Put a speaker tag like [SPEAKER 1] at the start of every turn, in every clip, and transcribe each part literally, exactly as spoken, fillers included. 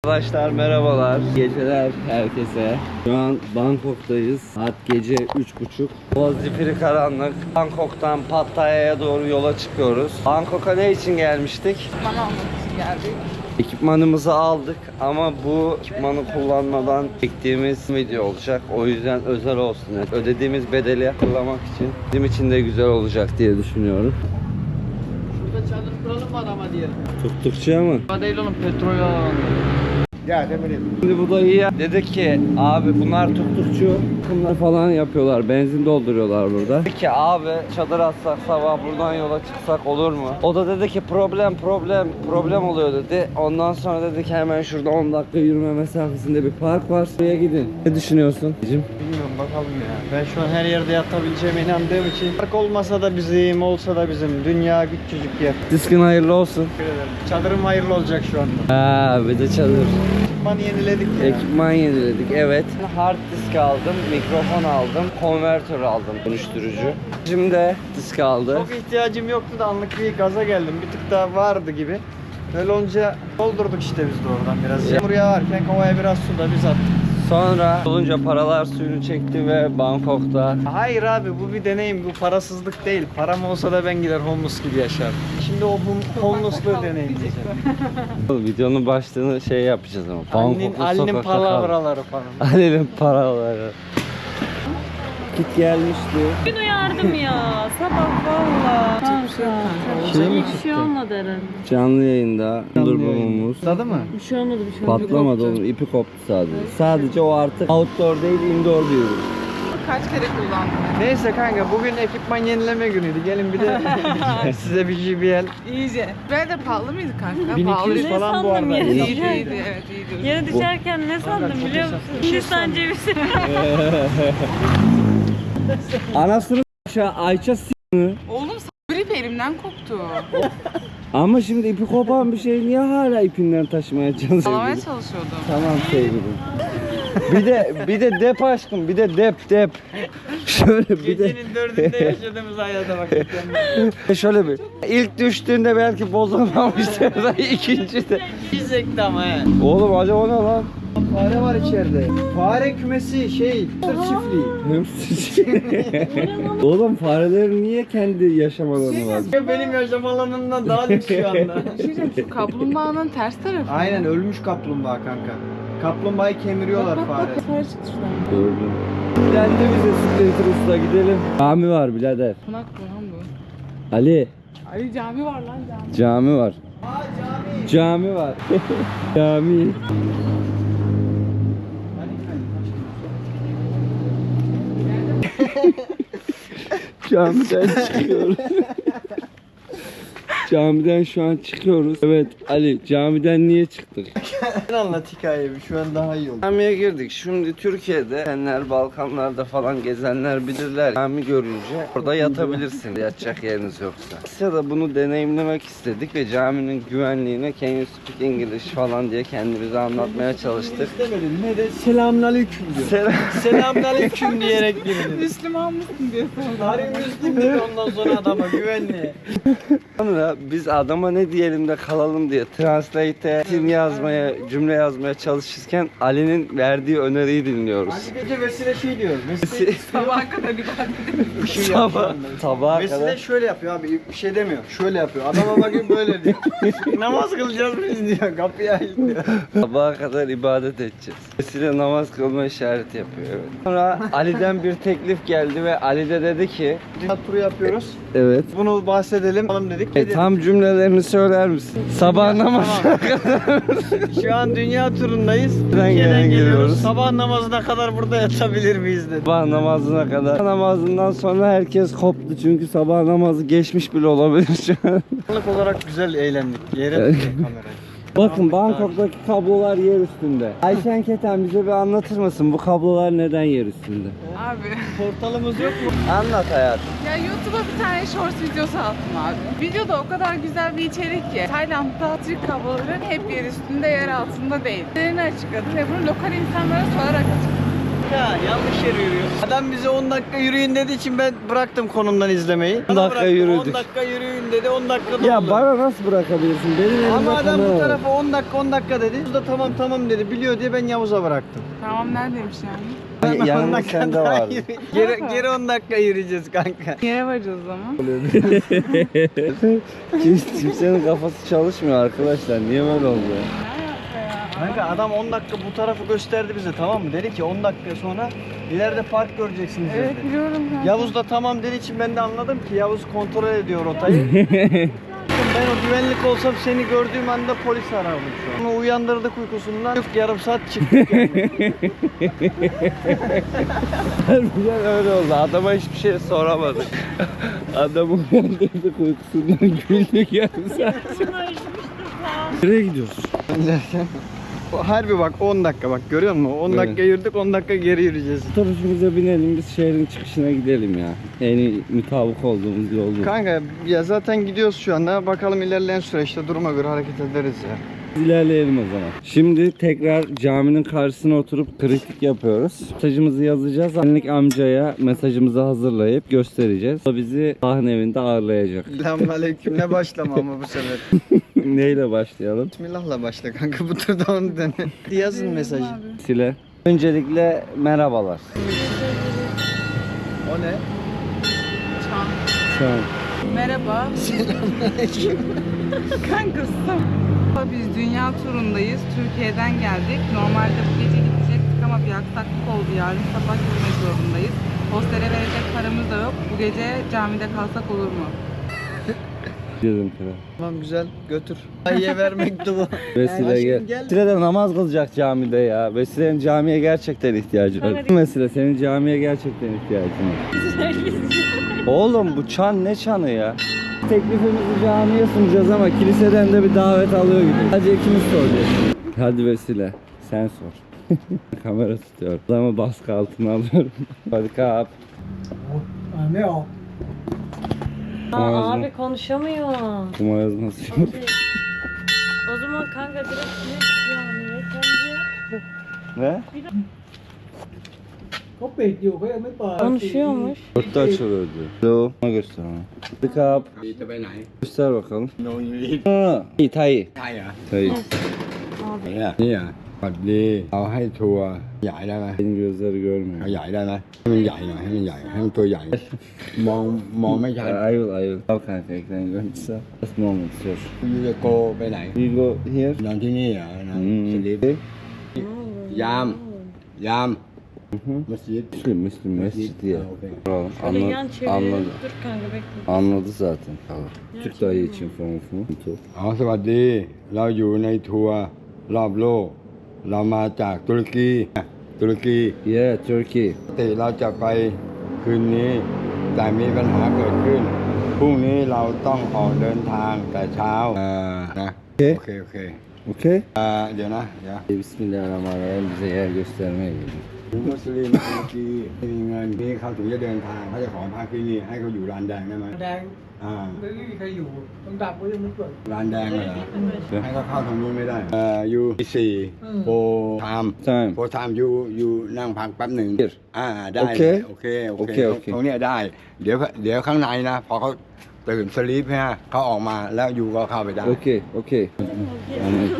[SPEAKER 1] Arkadaşlar merhabalar. Geceler herkese. Şu an Bangkok'tayız. Saat gece üç buçuk. Boğaz zifiri karanlık. Bangkok'tan Pattaya'ya doğru yola çıkıyoruz. Bangkok'a ne için gelmiştik?
[SPEAKER 2] Bana almak için geldik.
[SPEAKER 1] Ekipmanımızı aldık ama bu ekipmanı kullanmadan çektiğimiz video olacak. O yüzden özel olsun. Yani ödediğimiz bedeli hatırlamak için bizim için de güzel olacak diye düşünüyorum.
[SPEAKER 3] Şurada çadır kuralım mı adama diyelim.
[SPEAKER 1] Tuttukça mı?
[SPEAKER 3] Hadi değil oğlum, petrol alalım. Ya demedim.
[SPEAKER 1] Şimdi bu dayı ya dedi ki abi bunlar tuttukçu bunlar falan yapıyorlar, benzin dolduruyorlar burada. Dedi ki abi çadır atsak sabah buradan yola çıksak olur mu? O da dedi ki problem problem problem oluyor dedi. Ondan sonra dedi ki hemen şurada on dakika yürüme mesafesinde bir park var. Buraya gidin. Ne düşünüyorsun?
[SPEAKER 3] Bilmiyorum, bakalım ya. Ben şu an her yerde yatabileceğime inandığım için park olmasa da bizim, olsa da bizim. Dünya küçücük yer.
[SPEAKER 1] Diskin hayırlı olsun.
[SPEAKER 3] Teşekkür ederim. Çadırım hayırlı olacak şu anda.
[SPEAKER 1] Ha bir de çadır.
[SPEAKER 3] Ekipmanı yeniledik ya.
[SPEAKER 1] Ekipman yeniledik evet. Hard disk aldım, mikrofon aldım, konvertör aldım, dönüştürücü. Şimdi disk aldı.
[SPEAKER 3] Çok ihtiyacım yoktu da anlık bir gaza geldim. Bir tık daha vardı gibi. Böyle olunca doldurduk işte biz de oradan biraz. Yağmur yağarken kovaya biraz su da biz attık.
[SPEAKER 1] Sonra olunca paralar suyunu çekti ve Bangkok'ta.
[SPEAKER 3] Hayır abi, bu bir deneyim, bu parasızlık değil. Param olsa da ben gider homeless gibi yaşardım. Şimdi o hom- homeless'lığı deneyimleyeceğim.
[SPEAKER 1] Videonun başlığını şey yapacağız ama.
[SPEAKER 3] Ali'nin,
[SPEAKER 1] Bangkok'ta
[SPEAKER 3] Ali'nin
[SPEAKER 1] sokakta kal.
[SPEAKER 3] palavraları falan.
[SPEAKER 1] Ali'nin paraları. Git gelmişti.
[SPEAKER 2] Bugün uyardım ya. Sabah valla. Kanka.
[SPEAKER 1] Şey mi
[SPEAKER 2] Hiçbir şey olmadı herhalde.
[SPEAKER 1] Canlı yayında durdurmamız.
[SPEAKER 3] Tadı mı?
[SPEAKER 2] Bir şey olmadı bir şey olmadı.
[SPEAKER 1] Patlamadı oğlum, ipi koptu sadece. Sadece o artık outdoor değil indoor bir ürün.
[SPEAKER 2] Kaç kere kullandım.
[SPEAKER 3] Neyse kanka, bugün ekipman yenileme günüydü. Gelin bir de size bir J B L.
[SPEAKER 2] İyice.
[SPEAKER 4] Böyle de pahalı mıydı kanka?
[SPEAKER 3] bin iki yüz
[SPEAKER 2] Ne
[SPEAKER 3] falan bu
[SPEAKER 2] sandım
[SPEAKER 3] arada.
[SPEAKER 2] ya?
[SPEAKER 4] İyiydi,
[SPEAKER 2] Düşerken.
[SPEAKER 4] iyiydi, evet iyiydi.
[SPEAKER 2] Yere düşerken ne sandım
[SPEAKER 3] çok
[SPEAKER 2] biliyor musun?
[SPEAKER 3] hesaplı.
[SPEAKER 2] Hindistan cevizi.
[SPEAKER 1] Anasını aşağı Ayça s***.
[SPEAKER 4] Oğlum grip elimden koptu.
[SPEAKER 1] Ama şimdi ipi kopan bir şey niye hala ipinden taşımaya çalışıyor?
[SPEAKER 4] Salamaya çalışıyordum.
[SPEAKER 1] Tamam sevgilim. Bir de bir de dep aşkım, bir de dep dep. Şöyle bir de
[SPEAKER 3] Gecenin dördünde yaşadığımız hayata bak.
[SPEAKER 1] şöyle bir. İlk düştüğünde belki bozulmamıştır da ikinci de.
[SPEAKER 3] Gizekti ama he.
[SPEAKER 1] Oğlum acaba o ne lan?
[SPEAKER 3] Fare var içeride. Fare kümesi şey, sır çiftliği.
[SPEAKER 1] Hamster. Oğlum farelerin niye kendi yaşam alanı var?
[SPEAKER 3] Benim yaşam alanımdan daha lüks şu anda.
[SPEAKER 4] Bir şey diyeceğim, şu kaplumbağanın ters tarafı.
[SPEAKER 3] Aynen, ölmüş kaplumbağa kanka. Kaplumbağayı kemiriyorlar fare.
[SPEAKER 2] Fare çıktı şuradan.
[SPEAKER 1] Gördüm. Gidelim de bize Splinter Usta gidelim. Cami var birader.
[SPEAKER 4] Konak mı lan bu?
[SPEAKER 1] Ali.
[SPEAKER 4] Ay cami var lan cami.
[SPEAKER 1] Cami var.
[SPEAKER 3] Aa, cami.
[SPEAKER 1] Cami var. Cami. Camiden çıkıyoruz. Camiden şu an çıkıyoruz. Evet Ali, camiden niye çıktık?
[SPEAKER 3] Sen anlat hikayeyi, şu an daha iyi oldu.
[SPEAKER 1] Camiye girdik. Şimdi Türkiye'de senler Balkanlarda falan gezenler bilirler. Cami görünce orada yatabilirsin yatacak yeriniz yoksa. Asya'da bunu deneyimlemek istedik ve caminin güvenliğine can you speak English falan diye kendimize anlatmaya çalıştık.
[SPEAKER 3] İstemedin, ne de selamünaleyküm diyor.
[SPEAKER 1] Selam.
[SPEAKER 3] Selamünaleyküm diyerek girdin.
[SPEAKER 4] Müslüman mısın diye sordum.
[SPEAKER 3] Tarih Müslim dedi ondan sonra adama, güvenliğe.
[SPEAKER 1] Sonra biz adama ne diyelim de kalalım diye translate'e tim yazmaya, cümle yazmaya çalışırken Ali'nin verdiği öneriyi dinliyoruz.
[SPEAKER 3] Ali gece Vesile şey diyor. Vesile
[SPEAKER 4] Sabaha kadar ibadet.
[SPEAKER 3] bir şey yapıyor.
[SPEAKER 1] Sabah, sabaha
[SPEAKER 3] Vesile
[SPEAKER 1] kadar.
[SPEAKER 3] şöyle yapıyor abi, bir şey demiyor. Şöyle yapıyor. Adama bakıyor böyle diyor. Namaz kılacağız biz diyor. Kapıyı aç diyor.
[SPEAKER 1] Sabaha kadar ibadet edeceğiz. Vesile namaz kılma işareti yapıyor evet. Sonra Ali'den bir teklif geldi ve Ali de dedi ki
[SPEAKER 3] Dünya turu yapıyoruz.
[SPEAKER 1] evet.
[SPEAKER 3] Bunu bahsedelim. Bakalım dedik.
[SPEAKER 1] E, tam cümlelerini söyler misin? Sabah namazına kadar.
[SPEAKER 3] Şu an dünya turundayız.
[SPEAKER 1] Nereden
[SPEAKER 3] Türkiye'den
[SPEAKER 1] geliyoruz?
[SPEAKER 3] geliyoruz. Sabah namazına kadar burada yatabilir miyiz dedi.
[SPEAKER 1] Sabah namazına kadar. Namazından sonra herkes koptu çünkü sabah namazı geçmiş bile olabilir şu an.
[SPEAKER 3] Anlık olarak güzel eğlendik. Yere
[SPEAKER 1] Evet.
[SPEAKER 3] tuttuk kamerayı.
[SPEAKER 1] Bakın Bangkok'taki kablolar yer üstünde. Ayşen Keten bize bir anlatır mısın bu kablolar neden yer üstünde?
[SPEAKER 4] Abi.
[SPEAKER 3] Portalımız yok mu?
[SPEAKER 1] Anlat hayatım.
[SPEAKER 4] Ya YouTube'a bir tane shorts videosu attım abi. Videoda o kadar güzel bir içerik ki. Tayland'da Türk kabloları hep yer üstünde, yer altında değil. Nedenini açıkladı ve bunu lokal insanlara sorarak açıkladı.
[SPEAKER 3] Kanka yanlış yere yürüyoruz. Adam bize on dakika yürüyün dediği için ben bıraktım konumdan izlemeyi.
[SPEAKER 1] on dakika
[SPEAKER 3] Bıraktım,
[SPEAKER 1] yürüdük.
[SPEAKER 3] on dakika yürüyün dedi, on dakika
[SPEAKER 1] Ya
[SPEAKER 3] doldu.
[SPEAKER 1] bana nasıl bırakabilirsin? Benim elimde
[SPEAKER 3] Ama adam
[SPEAKER 1] kamera
[SPEAKER 3] bu
[SPEAKER 1] var.
[SPEAKER 3] tarafa on dakika on dakika dedi. Yavuz da tamam tamam dedi. Biliyor diye ben Yavuz'a bıraktım.
[SPEAKER 4] Tamam neredeymiş yani?
[SPEAKER 1] Y- Yanımda
[SPEAKER 3] on dakika
[SPEAKER 1] sende
[SPEAKER 3] daha
[SPEAKER 1] var.
[SPEAKER 3] yürü- Geri, geri on dakika yürüyeceğiz kanka.
[SPEAKER 4] Yere varacağız o zaman.
[SPEAKER 1] Kim- Kimsenin kafası çalışmıyor arkadaşlar. Niye böyle oldu?
[SPEAKER 3] Kanka adam on dakika bu tarafı gösterdi bize, tamam mı? Dedi ki on dakika sonra ileride park göreceksiniz dedi.
[SPEAKER 4] Evet biliyorum kanka.
[SPEAKER 3] Yavuz da tamam dediği için ben de anladım ki Yavuz kontrol ediyor rotayı. Ben o güvenlik olsam seni gördüğüm anda polis arardım şu an. Onu uyandırdık uykusundan. Yok yarım saat çıktık yani.
[SPEAKER 1] Harbiden öyle oldu. Adama hiçbir şey soramadık. Adamı uyandırdık uykusundan güldük yarım saat. Nereye gidiyoruz?
[SPEAKER 3] Harbi bak on dakika bak görüyor musun? on
[SPEAKER 1] Evet.
[SPEAKER 3] dakika yürüdük on dakika geri yürüyeceğiz.
[SPEAKER 1] Otobüsümüze binelim biz şehrin çıkışına gidelim ya. En iyi mutabık olduğumuz yol bu.
[SPEAKER 3] Kanka ya zaten gidiyoruz şu anda. Bakalım ilerleyen süreçte duruma göre hareket ederiz ya.
[SPEAKER 1] İlerleyelim o zaman. Şimdi tekrar caminin karşısına oturup kritik yapıyoruz. Mesajımızı yazacağız. Annelik amcaya mesajımızı hazırlayıp göstereceğiz. O bizi Allah'ın evinde ağırlayacak.
[SPEAKER 3] Selamünaleyküm. Ne başlama ama bu sefer.
[SPEAKER 1] Neyle başlayalım?
[SPEAKER 3] Bismillah'la başla kanka, bu turda onu dene. Yazın mesajı.
[SPEAKER 1] Sile. Öncelikle merhabalar.
[SPEAKER 3] O ne?
[SPEAKER 4] Çan.
[SPEAKER 1] Şu an
[SPEAKER 4] Merhaba. Kanka stop. Biz dünya turundayız. Türkiye'den geldik. Normalde bu gece gidecektik ama bir aksaklık oldu. Yarın sabah gitmek zorundayız. Hostele verecek paramız da yok. Bu gece camide kalsak olur mu?
[SPEAKER 1] dedim kral.
[SPEAKER 3] Tamam güzel, götür. Ayıya ver mektubu.
[SPEAKER 1] Vesile
[SPEAKER 3] Aşkım
[SPEAKER 1] gel.
[SPEAKER 3] gel.
[SPEAKER 1] Vesile de namaz kılacak camide ya. Vesile'nin camiye gerçekten ihtiyacı var. Vesile senin camiye gerçekten ihtiyacın var. Oğlum bu çan ne çanı ya? Teklifimizi camiye sunacağız ama kiliseden de bir davet alıyor gibi. Hadi ikimiz soracağız. Hadi Vesile sen sor. Kamera tutuyor. Adamı baskı altına alıyorum. Hadi kap.
[SPEAKER 3] Ne o?
[SPEAKER 2] Aa, abi konuşamıyor.
[SPEAKER 1] Kuma yazması yok.
[SPEAKER 2] O zaman kanka direkt ne yani sence?
[SPEAKER 1] Ne?
[SPEAKER 2] Konuşuyormuş.
[SPEAKER 1] Dörtte açılıyor diyor. Hello. Ona göster ona. Hadi kap. Göster bakalım. Ha, İyi, Tay.
[SPEAKER 5] ใช่เหรอ
[SPEAKER 1] Tay.
[SPEAKER 5] เนี่ยนี่อ่ะปัดดีเอาให้ทัวร์ใหญ่ได้ไหม
[SPEAKER 1] Benim gözleri görmüyor.
[SPEAKER 5] เอาใหญ่ได้ไหมให้มันใหญ่หน่อยให้มันใหญ่ให้มันตัวใหญ่ มองมองไม่ชัด
[SPEAKER 1] I will, I will. Al kanka ekran görüntüsü. Just moment sir.
[SPEAKER 5] ยูจะโกไปไหน
[SPEAKER 1] We go here.
[SPEAKER 5] นอนที่นี่เหรอนอน
[SPEAKER 1] Hmm.
[SPEAKER 5] สลิป
[SPEAKER 1] Okay.
[SPEAKER 5] ยามยาม
[SPEAKER 1] Hı hı.
[SPEAKER 5] มัสยิด
[SPEAKER 1] Müslüm, Müslüm mescid diye.
[SPEAKER 5] Okay.
[SPEAKER 1] Tamam,
[SPEAKER 2] Şöyle yan
[SPEAKER 1] anladı,
[SPEAKER 2] çevirelim.
[SPEAKER 1] anladı.
[SPEAKER 2] Dur kanka bekle.
[SPEAKER 1] Anladı zaten. Tamam. Türk dayı için falan falan.
[SPEAKER 5] อ๋อสวัสดี เราอยู่ในทัวร์รอบโลก เรามาจากตุรกีตุรกี
[SPEAKER 1] Yeah, Turkey.
[SPEAKER 5] ปกติเราจะไปคืนนี้ แต่มีปัญหาเกิดขึ้นพรุ่งนี้เราต้องออกเดินทางแต่เช้าอ่านะ
[SPEAKER 1] โอเค
[SPEAKER 5] โอเคโอเค
[SPEAKER 1] Okay.
[SPEAKER 5] อ่าเดี๋ยวนะเดี๋ยว
[SPEAKER 1] Bismillahirrahmanirrahim bize yer göstermeye geliyor.
[SPEAKER 5] มุสลิมตุรกีไม่มีเงินที่เขาถึงจะเดินทางเขาจะขอพักที่นี่ให้เขาอยู่ร้านแดงได้ไหม
[SPEAKER 6] แดง
[SPEAKER 5] อ่า
[SPEAKER 6] ไม่มีใครอยู่ต้องดับไว้ยังไม่เปิด
[SPEAKER 5] ร้านแดงเลยเหรอให้เขาเข้าทางนู้นไม่ได้เอ่อยูสี่โพไทม์
[SPEAKER 1] Time.
[SPEAKER 5] โพไทม์ยูยูนั่งพักแป๊บหนึ่ง
[SPEAKER 1] Here.
[SPEAKER 5] อ่าได้
[SPEAKER 1] โอเค
[SPEAKER 5] เลยโอเคโอ
[SPEAKER 1] โอ
[SPEAKER 5] เค
[SPEAKER 1] เคโอเค
[SPEAKER 5] ตรงเนี้ยได้ เดี๋ยวเดี๋ยวข้างในนะพอเขาตื่นสลีปฮะเขาออกมาแล้วยูก็เข้าไปได้
[SPEAKER 1] Okay, okay. Anladım.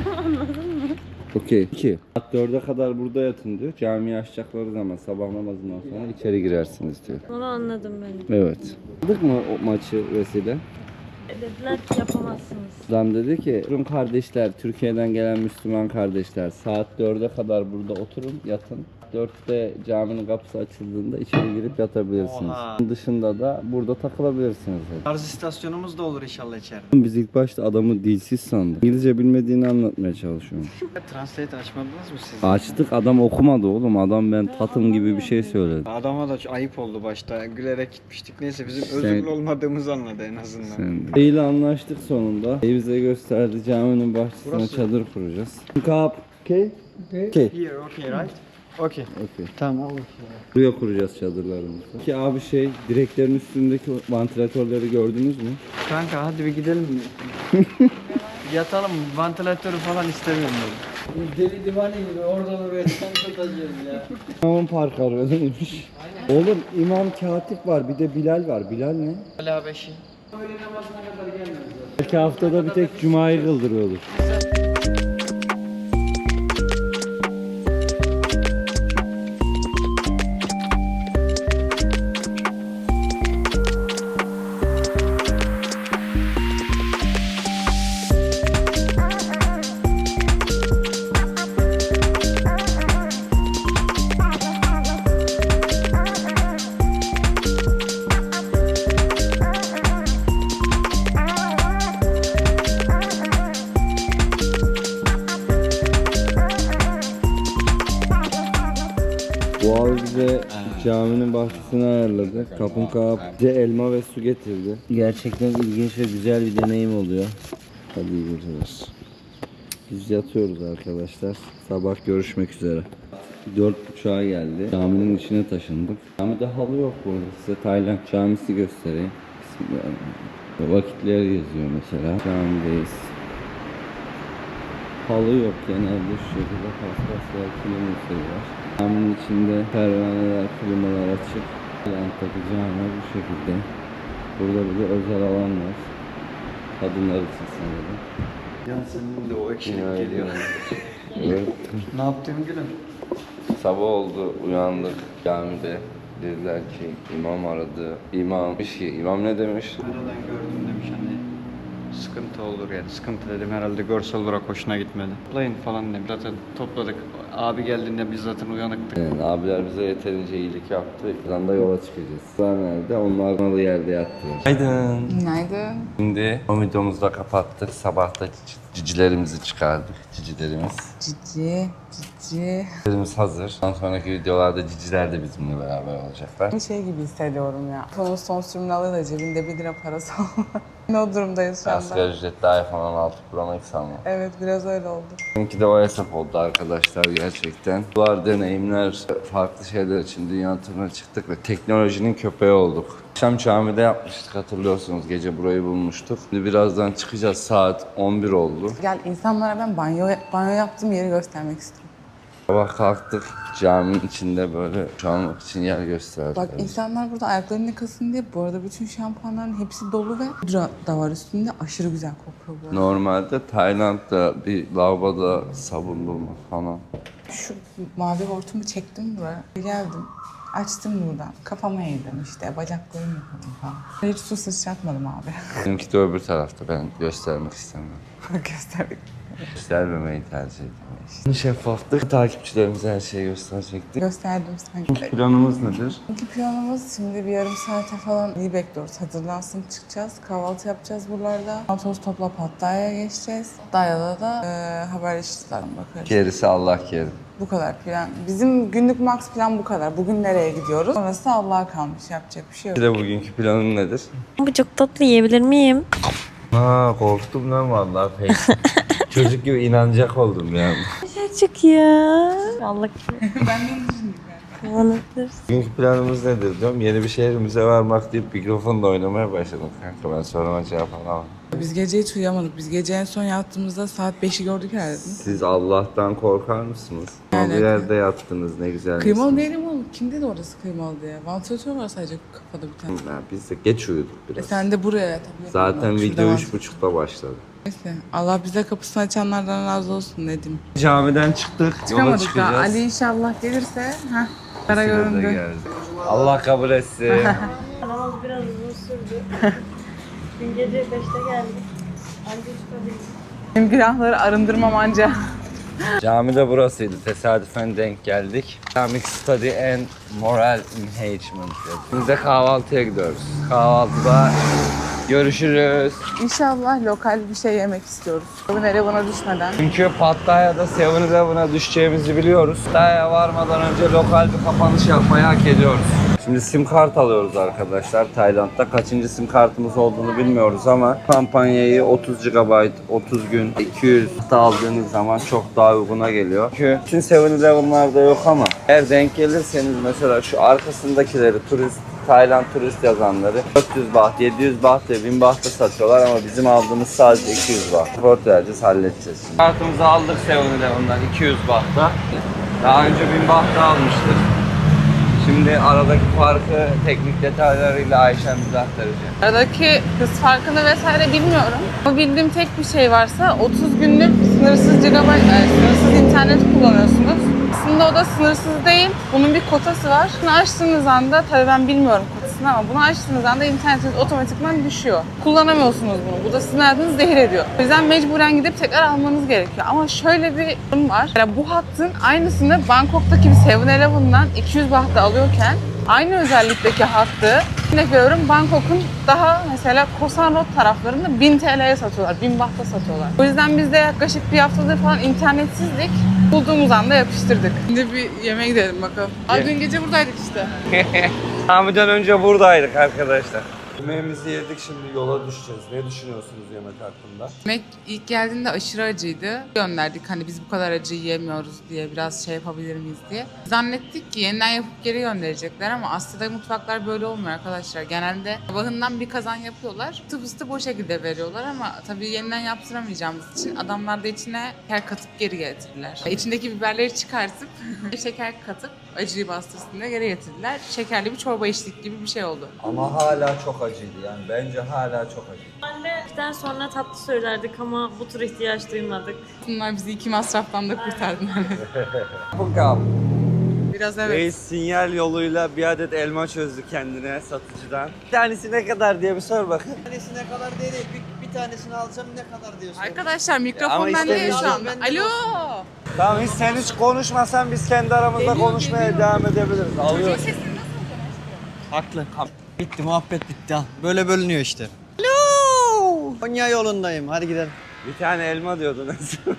[SPEAKER 1] Okey. İki. Saat dörde kadar burada yatın diyor. Camiyi açacakları zaman sabah namazından sonra içeri girersiniz diyor.
[SPEAKER 2] Onu anladım ben.
[SPEAKER 1] Evet. Aldık mı o maçı Vesile?
[SPEAKER 2] Dediler ki yapamazsınız.
[SPEAKER 1] Adam dedi ki Rum kardeşler, Türkiye'den gelen Müslüman kardeşler saat dörde kadar burada oturun, yatın. dörtte caminin kapısı açıldığında içeri girip yatabilirsiniz.
[SPEAKER 3] Oha.
[SPEAKER 1] Dışında da burada takılabilirsiniz dedi.
[SPEAKER 3] Tarz istasyonumuz da olur inşallah içeride.
[SPEAKER 1] Biz ilk başta adamı dilsiz sandık. İngilizce bilmediğini anlatmaya çalışıyorum.
[SPEAKER 3] Translate açmadınız mı siz?
[SPEAKER 1] Açtık, adam okumadı oğlum. Adam ben tatım gibi bir şey söyledi.
[SPEAKER 3] Adama da ayıp oldu başta. Gülerek gitmiştik. Neyse bizim
[SPEAKER 1] Sen-
[SPEAKER 3] özürlü olmadığımızı anladı en azından.
[SPEAKER 1] Sen de. İyi anlaştık sonunda. İyi bize gösterdi. Caminin bahçesine
[SPEAKER 3] Burası.
[SPEAKER 1] çadır kuracağız. Kap. Okay. Okay.
[SPEAKER 3] Here, okay, right? Okay.
[SPEAKER 1] Okay.
[SPEAKER 3] Tamam.
[SPEAKER 1] Buraya kuracağız çadırlarımızı. Ki abi şey, direklerin üstündeki vantilatörleri gördünüz mü?
[SPEAKER 3] Kanka hadi bir gidelim mi? Yatalım, vantilatörü falan istemiyorum dedim.
[SPEAKER 6] Deli divane gibi oradan oraya sen tutacağız ya.
[SPEAKER 1] İmam Park arıyormuş. Oğlum İmam Katip var, bir de Bilal var. Bilal ne?
[SPEAKER 3] Hala beşi.
[SPEAKER 6] Öğle namazına kadar gelmez zaten.
[SPEAKER 1] Belki haftada bir tek Cuma'yı kıldırıyordur. Bu abi bize caminin bahçesini ayarladı. Kapın kağıt bize elma ve su getirdi. Gerçekten ilginç ve güzel bir deneyim oluyor. Hadi iyi geceler. Biz yatıyoruz arkadaşlar. Sabah görüşmek üzere. Dört buçuğa geldi. Caminin içine taşındık. Camide halı yok burada. Size Tayland camisi göstereyim. Bismillahirrahmanirrahim. Vakitler yazıyor mesela. Camideyiz. Halı yok genelde şu şekilde paspaslar, kilometre var. Caminin içinde pervaneler, klimalar açık. Tayland'daki cami bu şekilde. Burada bir de özel alan var. Kadınlar için sanırım.
[SPEAKER 3] Ya senin de o ekşilik
[SPEAKER 1] Günaydın.
[SPEAKER 3] geliyor.
[SPEAKER 1] Evet.
[SPEAKER 3] Ne yaptın gülüm?
[SPEAKER 1] Sabah oldu, uyandık camide. Dediler ki imam aradı. İmam demiş ki, imam ne demiş?
[SPEAKER 3] Nereden gördüm demiş hani sıkıntı olur yani. Sıkıntı dedim herhalde görsel olarak hoşuna gitmedi. Toplayın falan demiş. Zaten topladık. Abi geldiğinde biz zaten uyanıktık.
[SPEAKER 1] Yani abiler bize yeterince iyilik yaptı. Buradan da yola çıkacağız. Onlar nerede? Onlar malı yerde yattılar. Günaydın.
[SPEAKER 4] Günaydın.
[SPEAKER 1] Şimdi o videomuzu da kapattık. Sabah da cici- cicilerimizi çıkardık. Cicilerimiz.
[SPEAKER 4] Cici, cici.
[SPEAKER 1] Cicilerimiz hazır. Ondan sonraki videolarda ciciler de bizimle beraber olacaklar.
[SPEAKER 4] Bir şey gibi hissediyorum ya. Sonun son sürümünü alıyor da cebinde bir lira parası olmaz. Ne o durumdayız şu anda?
[SPEAKER 1] Asgari ücretli iPhone on altı Pro Max alma.
[SPEAKER 4] Evet biraz öyle oldu.
[SPEAKER 1] Benimki de o hesap oldu arkadaşlar gerçekten. Bunlar deneyimler, farklı şeyler için dünya turuna çıktık ve teknolojinin köpeği olduk. Akşam camide yapmıştık hatırlıyorsunuz. Gece burayı bulmuştuk. Şimdi birazdan çıkacağız. Saat on bir oldu.
[SPEAKER 4] Gel insanlara ben banyo banyo yaptığım yeri göstermek istiyorum.
[SPEAKER 1] Sabah kalktık. Caminin içinde böyle şu almak için yer gösterdik.
[SPEAKER 4] Bak insanlar burada ayaklarını yıkasın diye bu arada bütün şampuanların hepsi dolu ve pudra da var üstünde. Aşırı güzel kokuyor bu arada.
[SPEAKER 1] Normalde Tayland'da bir lavaboda sabun bulma falan.
[SPEAKER 4] Şu mavi hortumu çektim buraya. Geldim. Açtım buradan. Kafama eğdim işte. Bacaklarımı yıkadım falan. Hiç su sıçratmadım abi.
[SPEAKER 1] Benimki de öbür tarafta. Ben göstermek istemiyorum.
[SPEAKER 4] Gösterdik.
[SPEAKER 1] Göstermemeyi tercih ediyorum. Şeffaflık. Takipçilerimize her şeyi gösterecektik.
[SPEAKER 4] Gösterdim sanki.
[SPEAKER 1] Planımız nedir?
[SPEAKER 4] İlk planımız şimdi bir yarım saate falan iyi bekliyoruz. Hazırlansın çıkacağız. Kahvaltı yapacağız buralarda. Toz topla Pattaya'ya geçeceğiz. Pattaya'da da e, haberleştirden bakarız.
[SPEAKER 1] Gerisi Allah kerim.
[SPEAKER 4] Bu kadar plan. Bizim günlük max plan bu kadar. Bugün nereye gidiyoruz? Sonrası Allah'a kalmış. Yapacak bir şey yok.
[SPEAKER 1] Bir de bugünkü planın nedir?
[SPEAKER 2] Bu çok tatlı, yiyebilir miyim?
[SPEAKER 1] Ha korktum lan vallahi pek. Çocuk gibi inanacak oldum yani.
[SPEAKER 2] Çocuk ya. Allah
[SPEAKER 4] Ben de düşündüm yani.
[SPEAKER 2] kullanabilir.
[SPEAKER 1] Bugünkü planımız nedir diyorum. Yeni bir şehrimize varmak deyip mikrofonla oynamaya başladım kanka. Ben soruma cevap alamam.
[SPEAKER 4] Biz gece hiç uyuyamadık. Biz gece en son yattığımızda saat beşi gördük herhalde. değil mi?
[SPEAKER 1] Siz Allah'tan korkar mısınız?
[SPEAKER 4] Yani-
[SPEAKER 1] Bir yerde yattınız ne güzel.
[SPEAKER 4] Kıymalı değilim oğlum. Kim dedi orası kıymalı diye? Vantilatör var sadece kafada bir tane.
[SPEAKER 1] Ya biz de geç uyuduk
[SPEAKER 4] E
[SPEAKER 1] biraz.
[SPEAKER 4] sen de buraya yatabiliyorsun.
[SPEAKER 1] Zaten
[SPEAKER 4] Bak, şurada
[SPEAKER 1] video
[SPEAKER 4] var.
[SPEAKER 1] üç buçukta başladı.
[SPEAKER 4] Neyse. Allah bize kapısını açanlardan razı olsun ne diyeyim.
[SPEAKER 1] Camiden çıktık.
[SPEAKER 4] Çıkamadık daha. Ali inşallah gelirse. Heh. Kara göründü.
[SPEAKER 1] Allah kabul etsin.
[SPEAKER 2] Namaz biraz uzun sürdü. Dün gece beşte geldik. Anca çıkabildik.
[SPEAKER 4] Benim günahları arındırmam anca.
[SPEAKER 1] Cami burasıydı. Tesadüfen denk geldik. Islamic Study and Moral Enhancement. Biz de kahvaltıya gidiyoruz. Kahvaltıda görüşürüz.
[SPEAKER 4] İnşallah lokal bir şey yemek istiyoruz. Bu nereye buna düşmeden.
[SPEAKER 1] Çünkü Pattaya'da seven eleven'a düşeceğimizi biliyoruz. Pattaya'ya varmadan önce lokal bir kapanış yapmayı hak ediyoruz. Şimdi sim kart alıyoruz arkadaşlar Tayland'da. Kaçıncı sim kartımız olduğunu bilmiyoruz ama kampanyayı otuz gigabayt, otuz gün, iki yüz da aldığınız zaman çok daha uyguna geliyor. Çünkü bütün seven eleven'larda yok ama eğer denk gelirseniz mesela şu arkasındakileri turist Tayland turist yazanları dört yüz baht, yedi yüz baht ve bin bahta satıyorlar ama bizim aldığımız sadece iki yüz baht. Port vereceğiz, halledeceğiz şimdi. Kartımızı aldık seven eleven'dan iki yüz bahta. Daha önce bin bahta almıştık. Şimdi aradaki farkı teknik detaylarıyla Ayşem bize aktaracak.
[SPEAKER 4] Aradaki hız farkını vesaire bilmiyorum. Ama bildiğim tek bir şey varsa otuz günlük sınırsız gigabayt, yani sınırsız internet kullanıyorsunuz. Aslında o da sınırsız değil. Bunun bir kotası var. Bunu açtığınız anda, tabii ben bilmiyorum kotasını ama bunu açtığınız anda internetiniz otomatikman düşüyor. Kullanamıyorsunuz bunu. Bu da sizin hayatınızı zehir ediyor. O yüzden mecburen gidip tekrar almanız gerekiyor. Ama şöyle bir durum var. Yani bu hattın aynısını Bangkok'taki bir seven eleven'dan iki yüz bahta alıyorken aynı özellikteki hattı, örnek veriyorum, Bangkok'un daha mesela Koh San Road taraflarında bin T L'ye satıyorlar, bin bahta satıyorlar. O yüzden biz de yaklaşık bir haftadır falan internetsizlik, bulduğumuz anda yapıştırdık. Şimdi bir yemeğe gidelim bakalım. Ay, dün gece buradaydık işte.
[SPEAKER 1] Hami'den önce buradaydık arkadaşlar. Yemeğimizi yedik, şimdi yola düşeceğiz. Ne düşünüyorsunuz yemek hakkında?
[SPEAKER 4] Yemek ilk geldiğinde aşırı acıydı. Gönderdik hani biz bu kadar acı yiyemiyoruz diye, biraz şey yapabilir miyiz diye. Zannettik ki yeniden yapıp geri gönderecekler ama Asya'da mutfaklar böyle olmuyor arkadaşlar. Genelde sabahından bir kazan yapıyorlar. Tıp ısıtıp o şekilde veriyorlar ama tabii yeniden yaptıramayacağımız için adamlar da içine şeker katıp geri getirdiler. İçindeki biberleri çıkartıp şeker katıp acıyı bastırsın diye geri getirdiler. Şekerli bir çorba içtik gibi bir şey oldu.
[SPEAKER 1] Ama hala çok acıydı yani. Bence hala çok acıydı.
[SPEAKER 2] Annemden sonra tatlı söylerdik ama bu tür ihtiyaç duymadık.
[SPEAKER 4] Bunlar bizi iki masraftan da kurtardılar.
[SPEAKER 1] Bakalım.
[SPEAKER 4] Biraz evet.
[SPEAKER 1] Reis sinyal yoluyla bir adet elma çözdü kendine satıcıdan. Bir tanesi ne kadar diye bir sor bakın.
[SPEAKER 3] Bir tanesi ne kadar değil, bir, bir tanesini alacağım ne kadar diyorsun.
[SPEAKER 4] Arkadaşlar
[SPEAKER 1] Ama
[SPEAKER 4] mikrofon bende ya
[SPEAKER 1] istemiyorum.
[SPEAKER 4] şu anda. Alo.
[SPEAKER 1] Tamam, hiç sen hiç konuşmasan biz kendi aramızda
[SPEAKER 4] Geliyor,
[SPEAKER 1] konuşmaya
[SPEAKER 4] geliyor.
[SPEAKER 1] devam edebiliriz. Alıyoruz.
[SPEAKER 3] Haklı. Bitti, muhabbet bitti. Al. Böyle bölünüyor işte.
[SPEAKER 4] Alo.
[SPEAKER 3] Konya yolundayım, hadi gidelim.
[SPEAKER 1] Bir tane elma diyordun.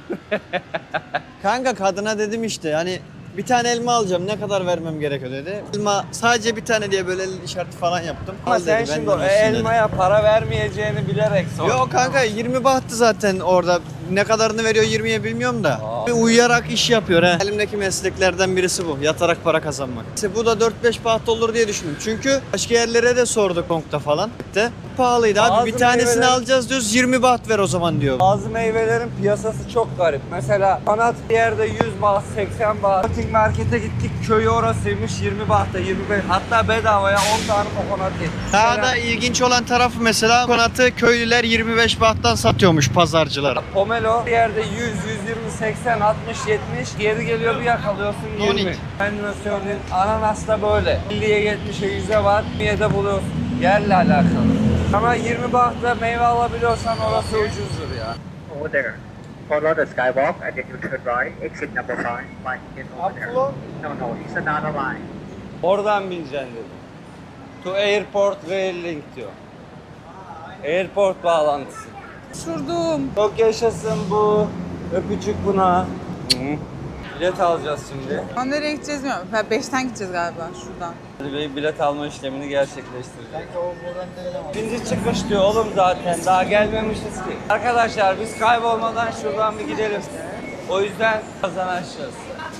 [SPEAKER 3] Kanka kadına dedim işte hani bir tane elma alacağım, ne kadar vermem gerekiyor dedi. Elma sadece bir tane diye böyle el işareti falan yaptım.
[SPEAKER 1] Ama
[SPEAKER 3] Al
[SPEAKER 1] sen
[SPEAKER 3] dedi, ben
[SPEAKER 1] şimdi
[SPEAKER 3] de
[SPEAKER 1] o
[SPEAKER 3] olsun dedi.
[SPEAKER 1] elmaya para vermeyeceğini bilerek sor.
[SPEAKER 3] Yok kanka yirmi bahtı zaten orada. Ne kadarını veriyor yirmiye bilmiyorum da.
[SPEAKER 1] Aa.
[SPEAKER 3] Bir uyuyarak iş yapıyor he. Elimdeki mesleklerden birisi bu. Yatarak para kazanmak. İşte bu da dört beş baht olur diye düşündüm. Çünkü başka yerlere de sorduk Hong'da falan. De. Pahalıydı abi.
[SPEAKER 1] Bazı
[SPEAKER 3] Bir tanesini
[SPEAKER 1] meyveler-
[SPEAKER 3] alacağız diyoruz. yirmi baht ver o zaman diyor.
[SPEAKER 1] Bazı meyvelerin piyasası çok garip. Mesela kanat bir yerde yüz baht, seksen baht. Shopping markete gittik, köyü orasıymış yirmi bahta, yirmi beş. Hatta bedavaya on tane kokonat yedik.
[SPEAKER 3] Daha
[SPEAKER 1] Mesela
[SPEAKER 3] da ilginç olan tarafı mesela konatı köylüler yirmi beş bahttan satıyormuş pazarcılara.
[SPEAKER 1] pomelo bir yerde yüz, yüz yirmi, seksen, altmış, yetmiş. Geri geliyor bir yakalıyorsun yirmi.
[SPEAKER 3] Nonik.
[SPEAKER 1] Ben de söyleyeyim, ananas da böyle. elliye, yetmişe, yüze var. yirmiye de buluyorsun. Yerle alakalı. Ama yirmi bahta meyve alabiliyorsan orası ucuzdur ya.
[SPEAKER 7] Over there. Follow the skywalk and then you turn right. Exit number five. Like in over there.
[SPEAKER 3] Upflow?
[SPEAKER 7] No, no, it's another line.
[SPEAKER 1] Oradan bineceksin dedi. To airport rail link diyor. Airport bağlantısı.
[SPEAKER 4] Şurdum.
[SPEAKER 1] Çok yaşasın bu. Öpücük buna. Hı. Bilet alacağız şimdi.
[SPEAKER 4] Ama nereye gideceğiz bilmiyorum. Ben beşten gideceğiz galiba şuradan.
[SPEAKER 1] Ali Bey bilet alma işlemini gerçekleştirecek. İkinci çıkış diyor oğlum zaten. Daha gelmemişiz ki. Arkadaşlar biz kaybolmadan şuradan bir gidelim. O yüzden birazdan açacağız.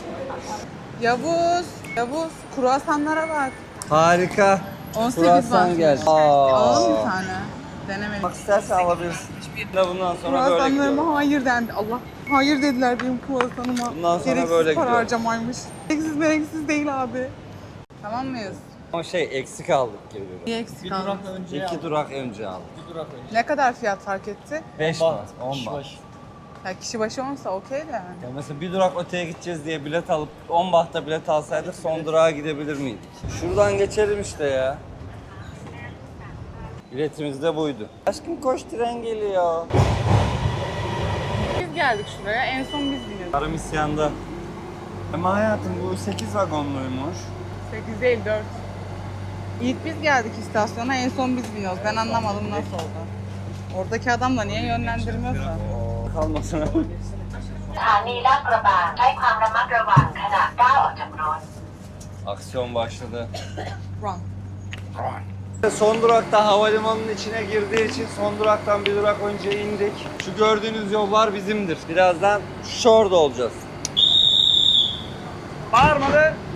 [SPEAKER 4] Yavuz. Yavuz. Kruvasanlara bak.
[SPEAKER 1] Harika.
[SPEAKER 4] on sekiz
[SPEAKER 1] Kruvasan
[SPEAKER 4] baht.
[SPEAKER 1] geldi.
[SPEAKER 4] Alalım bir
[SPEAKER 1] Aa.
[SPEAKER 4] tane. Denemedik.
[SPEAKER 1] Bak istersen alabilirsin. Ve bundan sonra böyle
[SPEAKER 4] Kruvasanlarıma
[SPEAKER 1] gidiyorum.
[SPEAKER 4] hayır dendi. Allah. Hayır dediler benim kruvasanıma.
[SPEAKER 1] Bundan sonra
[SPEAKER 4] Gereksiz
[SPEAKER 1] böyle
[SPEAKER 4] para
[SPEAKER 1] gidiyorum.
[SPEAKER 4] harcamaymış. Gereksiz mereksiz değil abi. Tamam mıyız?
[SPEAKER 1] Ama şey eksik aldık gibi.
[SPEAKER 4] Bir eksik
[SPEAKER 3] Bir
[SPEAKER 4] kaldı.
[SPEAKER 3] durak önce
[SPEAKER 1] İki durak önce aldık.
[SPEAKER 3] Bir durak önce.
[SPEAKER 4] Ne kadar fiyat fark etti?
[SPEAKER 1] Beş
[SPEAKER 3] Baht,
[SPEAKER 1] baht, on
[SPEAKER 3] kişi
[SPEAKER 1] baht.
[SPEAKER 3] başı.
[SPEAKER 4] Ya kişi başı onsa okey de yani.
[SPEAKER 1] Ya mesela bir durak öteye gideceğiz diye bilet alıp on bahta bilet alsaydık son durağa gidebilir miydik? Şuradan geçelim işte ya. Biletimiz de buydu. Aşkım koş, tren geliyor.
[SPEAKER 4] Biz geldik şuraya. En son biz biniyoruz.
[SPEAKER 1] Karım isyanda. Ama hayatım bu sekiz vagonluymuş.
[SPEAKER 4] sekiz değil dört. İlk biz geldik istasyona, en son biz biniyoruz. Ben anlamadım nasıl oldu. Oradaki adam da niye yönlendirmiyorsa.
[SPEAKER 1] Kalmasın.
[SPEAKER 7] สถานีลาดกระบังใช้ความระมัดระวังขณะก้าวออกจากรถ
[SPEAKER 1] Aksiyon başladı.
[SPEAKER 4] Run.
[SPEAKER 1] Son durakta havalimanının içine girdiği için son duraktan bir durak önce indik. Şu gördüğünüz yollar bizimdir. Birazdan şurada olacağız. Bağırma be!